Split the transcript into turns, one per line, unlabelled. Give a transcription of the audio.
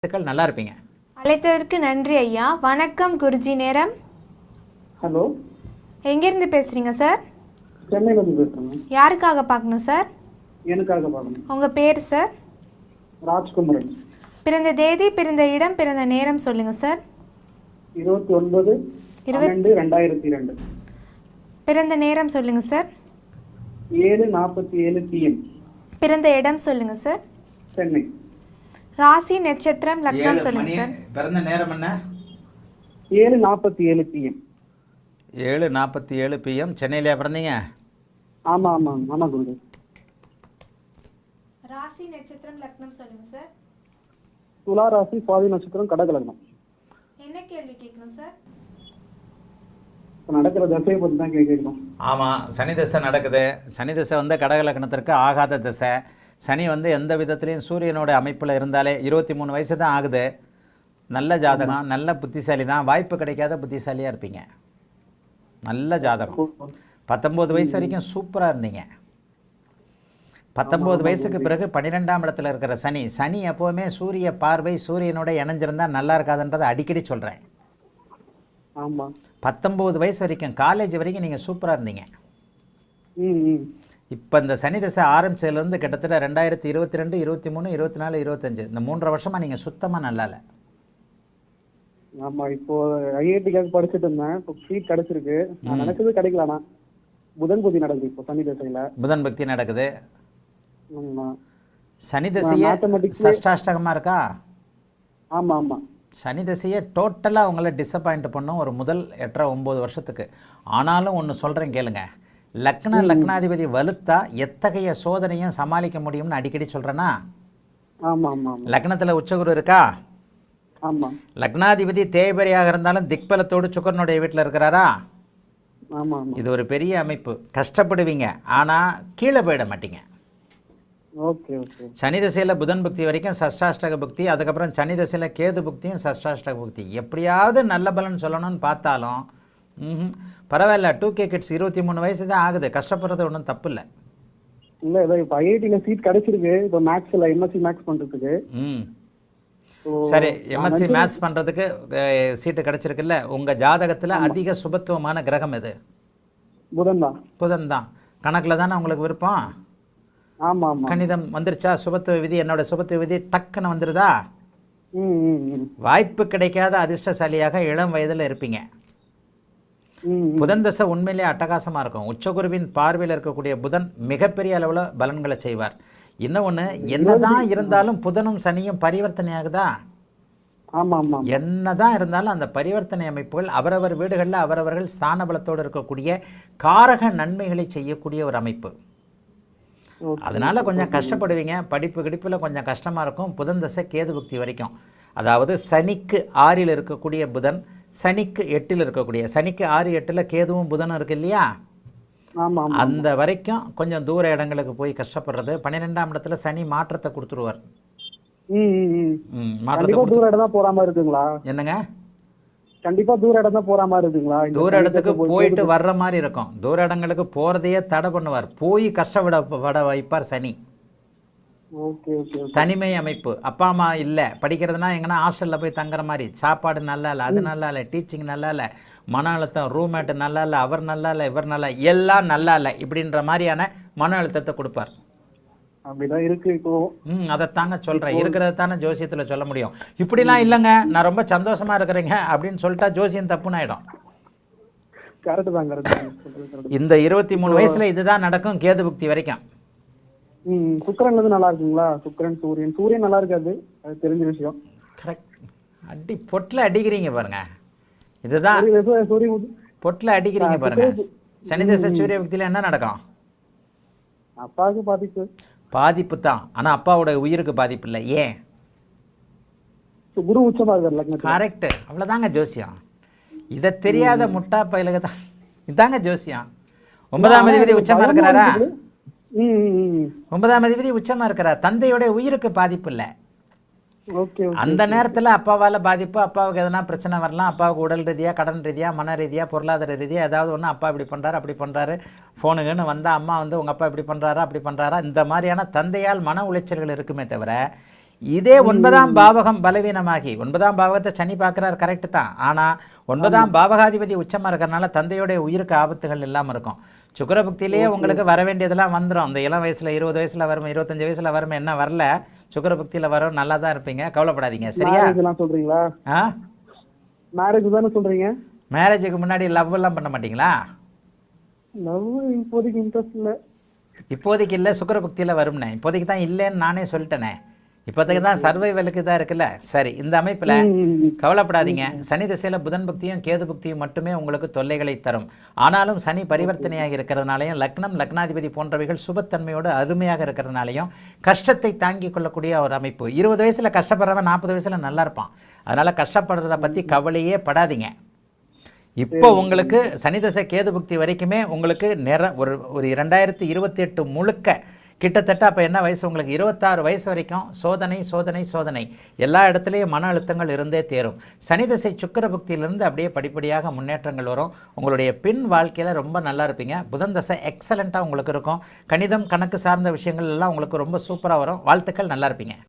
நல்லா இருப்பீங்க.
அழைத்ததற்கு நன்றி ஐயா. வணக்கம் குருஜி. நேரம்.
ஹலோ,
எங்கேருந்து பேசுகிறீங்க சார்?
சென்னையிலேருந்து பேசுகிறேங்க.
யாருக்காக பார்க்கணும் சார்?
எனக்காக பார்க்கணும்.
உங்கள் பேர் சார்?
ராஜ்குமரன்.
பிறந்த தேதி, பிறந்த இடம், பிறந்த நேரம் சொல்லுங்கள் சார்.
29/12/2002.
பிறந்த நேரம் சொல்லுங்கள் சார்.
7:47 PM.
பிறந்த இடம் சொல்லுங்கள் சார்.
சென்னை.
ராசி, நட்சத்திரம், லக்னம் சொல்லுங்கள் சார்.
பிறந்த நேரம் என்ன?
7:47 PM.
7:47 PM. சென்னையிலே பிறந்தீங்க?
ஆமாம் ஆமாம் ஆமாம் குருஜி.
ராசி, நட்சத்திரம், லக்னம் சொல்லுங்கள் சார்.
துலா ராசி, சுவாதி நட்சத்திரம், கடக லக்னம்.
என்ன கேள்வி கேட்கணும் சார்?
இப்போ நடக்கிற தசையை பற்றி தான் கேட்கணும்.
ஆமாம், சனி தசை நடக்குது. சனி தசை வந்து கடக லக்னத்திற்கு ஆகாத தசை. சனி வந்து எந்த விதத்துலேயும் சூரியனோட அமைப்பில் இருந்தாலே 23 வயசு தான் ஆகுது. நல்ல ஜாதகம், நல்ல புத்திசாலி தான். வாய்ப்பு கிடைக்காத புத்திசாலியாக இருப்பீங்க. நல்ல ஜாதகம். 19 வயசு வரைக்கும் சூப்பராக இருந்தீங்க. 19 வயசுக்கு பிறகு 12ஆம் இடத்துல இருக்கிற சனி. சனி எப்போவுமே சூரிய பார்வை சூரியனோட இணைஞ்சிருந்தால் நல்லா இருக்காதுன்றதை அடிக்கடி சொல்கிறேன்.
ஆமாம்.
19 வயசு வரைக்கும் காலேஜ் வரைக்கும் நீங்கள் சூப்பராக இருந்தீங்க. இப்போ இந்த சனி தசை ஆரம்பிச்சதுலேருந்து கிட்டத்தட்ட 2022, 23, 24, 25 இந்த 3 வருஷமாக நீங்கள் சுத்தமாக நல்லா இல்லை.
ஆமாம், இப்போ ஐஐடிக்காக படிச்சுட்டு இருந்தேன். இப்போ சீட் கிடச்சிருக்கு. நான் நினைச்சது கிடைக்கலண்ணா. புதன் புத்தி நடக்குது இப்போ சனி தசையில்.
புதன் பக்தி நடக்குது.
ஆமாம்.
சனி தசையே சஷ்டாஷ்டகமாக இருக்கா?
ஆமாம் ஆமாம்.
சனி தசையை டோட்டலாக அவங்கள டிசப்பாயிண்ட் பண்ணும் ஒரு முதல் 8-9 வருஷத்துக்கு. ஆனாலும் ஒன்று சொல்கிறேன் கேளுங்க. லக்னாதிபதி வலுத்தா எத்தகைய சோதனையும் சமாளிக்க முடியும்னு அடிக்கடி சொல்கிறேன்னா.
ஆமாம் ஆமாம்.
லக்னத்தில் உச்சகுரு இருக்கா?
ஆமாம்.
லக்னாதிபதி தேய்பரியாக இருந்தாலும் திக்பலத்தோடு சுக்கரனுடைய வீட்டில் இருக்கிறாரா?
ஆமாம்.
இது ஒரு பெரிய அமைப்பு. கஷ்டப்படுவீங்க, ஆனால் கீழே போயிட மாட்டீங்க.
Okay okay.
சனி தசையில் புதன் புக்தி வரைக்கும் சஷ்டாஷ்டக புக்தி, அதுக்கப்புறம் சனி தசையில் கேது புக்தியும் சஷ்டாஷ்டக புக்தி. எப்படியாவது நல்ல பலன் சொல்லணும்னு பார்த்தாலும் பரவாயில்ல. 2K கிட்ஸ் 23 வயசு தான் ஆகுது. கஷ்டப்படுறது ஒன்றும் தப்பு இல்லை.
இல்லை, ஏதோ இப்போ ஐஐடியில் சீட் கிடைச்சிருக்கு. இப்போ மேக்ஸில் எம்எஸ்சி மேக்ஸ் பண்ணுறதுக்கு.
சரி, எம்எஸ்சி மேத்ஸ் பண்ணுறதுக்கு சீட்டு கிடச்சிருக்குல்ல. உங்கள் ஜாதகத்தில் அதிக சுபத்துவமான கிரகம் எது?
புதன் தான்.
புதன் தான். கணக்கில் தானே உங்களுக்கு விருப்பம்?
ஆமாம் ஆமாம்.
கணிதம் வந்துருச்சா? சுபத்துவ விதி, என்னோட சுபத்துவ விதி டக்குன்னு வந்துருதா? வாய்ப்பு கிடைக்காத அதிர்ஷ்டசாலியாக இளம் வயதில் இருப்பீங்க. புதன் தசை உண்மையிலே அட்டகாசமாக இருக்கும். உச்சகுருவின் பார்வையில் இருக்கக்கூடிய புதன் மிகப்பெரிய அளவில் பலன்களை செய்வார். இன்னொன்று, என்னதான் இருந்தாலும் புதனும் சனியும் பரிவர்த்தனை ஆகுதா?
ஆமாம்.
என்னதான் இருந்தாலும் அந்த பரிவர்த்தனை அமைப்புகள் அவரவர் வீடுகளில் அவரவர்கள் ஸ்தான பலத்தோடு இருக்கக்கூடிய காரக நன்மைகளை செய்யக்கூடிய ஒரு அமைப்பு. அதனால கொஞ்சம் கஷ்டப்படுவீங்க. படிப்பு கிடிப்பில் கொஞ்சம் கஷ்டமாக இருக்கும். புதன் தசை கேது புக்தி வரைக்கும். அதாவது சனிக்கு 6ல் இருக்கக்கூடிய புதன், சனிக்கு 8ல் இருக்கக்கூடிய, சனிக்கு 6, 8ல் கேதுவும் புதனும் இருக்கு இல்லையா? அந்த வரைக்கும் கொஞ்சம் தூர இடங்களுக்கு போய் கஷ்டப்படுறது. 12ஆம் இடத்துல சனி மாற்றத்தை கொடுத்துருவார்.
தூர இடம் தான் போற மாதிரி இருக்குங்களா?
என்னங்க?
கண்டிப்பா தூர இடம் தான் போற மாதிரி இருக்குங்களா?
தூர இடத்துக்கு போயிட்டு வர்ற மாதிரி இருக்கும். தூர இடங்களுக்கு போறதையே தடை பண்ணுவார். போய் கஷ்டப்பட வைப்பார் சனி. தனிமை அமைப்பு. அப்பா அம்மா இல்லை, படிக்கிறதுனா எங்கன்னா ஹாஸ்டலில் போய் தங்குற மாதிரி. சாப்பாடு நல்லா இல்லை, அது நல்லா இல்லை, டீச்சிங் நல்லா இல்லை, மன அழுத்தம், ரூம்மேட்டு நல்லா இல்லை, அவர் நல்லா இல்லை, இவர் நல்லா, எல்லாம் நல்லா இல்லை, இப்படின்ற மாதிரியான மன அழுத்தத்தை கொடுப்பார்.
அப்படிதான் இருக்கு இப்போ.
அதைத்தாங்க சொல்கிறேன். இருக்கிறத தானே ஜோசியத்தில் சொல்ல முடியும். இப்படிலாம் இல்லைங்க, நான் ரொம்ப சந்தோஷமாக இருக்கிறேங்க அப்படின்னு சொல்லிட்டா ஜோசியம் தப்புன்னு ஆகிடும். இந்த 23 வயசுல இதுதான் நடக்கும் கேது புக்தி வரைக்கும்.
சுக்கிரன் வந்து நல்லா இருக்குங்களா? சுக்கிரன் சூரியன் நல்லா இருக்காது, அது தெரிஞ்ச விஷயம்.
கரெக்ட். அடி பொட்டில் அடிக்கிறீங்க பாருங்க. இதுதான் பொட்டில் அடிக்கிறீங்க பாருங்க. சனி தசை சூரிய புக்தியில் என்ன நடக்கும்?
அப்பாவுக்கு
பாதிப்பு தான். ஆனால் அப்பாவோட உயிருக்கு பாதிப்பு இல்லை. ஏன்?
குரு உச்சமா இருக்காரு.
கரெக்ட். அவ்வளோதாங்க ஜோசியம். இதை தெரியாத முட்டா பயிலுக்கு தான் இதாங்க ஜோசியம். 9ஆம் அதிபதி உச்சமா இருக்கிறாரா? 9ஆம் அதிபதி உச்சமா இருக்கிறார். தந்தையோட உயிருக்கு பாதிப்பு இல்லை. அந்த நேரத்தில் அப்பாவால் பாதிப்பு, அப்பாவுக்கு எதனா பிரச்சனை வரலாம். அப்பாவுக்கு உடல் ரீதியாக, கடன் ரீதியாக, மன ரீதியாக, பொருளாதார ரீதியாக ஏதாவது ஒன்று, அப்பா இப்படி பண்ணுறாரு அப்படி பண்ணுறாரு, ஃபோனுக்குன்னு வந்தால் அம்மா வந்து உங்கள் அப்பா இப்படி பண்ணுறாரா அப்படி பண்ணுறாரா, இந்த மாதிரியான தந்தையால் மன உளைச்சல்கள் இருக்குமே தவிர இதே 9ஆம் பாவகம் பலவீனமாகி 9ஆம் பாவகத்தை சனி பார்க்குறாரு கரெக்டு தான். ஆனால் 9ஆம் பாவகாதிபதி உச்சமாக இருக்கிறனால தந்தையோடைய உயிருக்கு ஆபத்துகள் இல்லாமல் இருக்கும். சுக்கிரபக்தியிலேயே உங்களுக்கு வர வேண்டியதெல்லாம் வந்துடும். அந்த இளம் வயசில் 20 வயசில் வரும், 25 வயசில் வரும், என்ன வரல, சுக்கிரபக்தியில் வரும், நல்லா தான் இருப்பீங்க, கவலைப்படாதீங்க. சரியா?
சொல்றீங்களா?
ஆ,
மேரேஜ் தானே சொல்றீங்க?
மேரேஜுக்கு முன்னாடி லவ் எல்லாம் பண்ண மாட்டீங்களா?
லவ் இப்போதைக்கு இன்ட்ரெஸ்ட் இல்ல.
இப்போதைக்கு இல்லை, சுக்கிரபக்தியில் வரும்னே. இப்போதைக்கு தான் இல்லைன்னு நானே சொல்லிட்டேனே. இப்போதைக்கு தான் சர்வைவலுக்கு தான் இருக்குல்ல. சரி, இந்த அமைப்பில் கவலைப்படாதீங்க. சனி திசையில் புதன் பக்தியும் கேது பக்தியும் மட்டுமே உங்களுக்கு தொல்லைகளை தரும். ஆனாலும் சனி பரிவர்த்தனையாக இருக்கிறதுனாலையும் லக்னம் லக்னாதிபதி போன்றவைகள் சுபத்தன்மையோடு அருமையாக இருக்கிறதுனாலையும் கஷ்டத்தை தாங்கி கொள்ளக்கூடிய ஒரு அமைப்பு. 20 வயசில் கஷ்டப்படுறவன் 40 வயசில் நல்லா இருப்பான். அதனால் கஷ்டப்படுறத பற்றி கவலையே படாதீங்க. இப்போ உங்களுக்கு சனிதசை கேது புக்தி வரைக்குமே உங்களுக்கு ஒரு 2028 முழுக்க கிட்டத்தட்ட அப்போ என்ன வயசு உங்களுக்கு 26 வயசு வரைக்கும் சோதனை சோதனை சோதனை, எல்லா இடத்துலையும் மன அழுத்தங்கள் இருந்தே தேரும். சனிதசை சுக்கிர புக்தியிலிருந்து அப்படியே படிப்படியாக முன்னேற்றங்கள் வரும். உங்களுடைய பின் வாழ்க்கையில் ரொம்ப நல்லா இருப்பீங்க. புதன் தசை எக்ஸலண்ட்டாக உங்களுக்கு இருக்கும். கணிதம் கணக்கு சார்ந்த விஷயங்கள் எல்லாம் உங்களுக்கு ரொம்ப சூப்பராக வரும். வாழ்த்துக்கள், நல்லா இருப்பீங்க.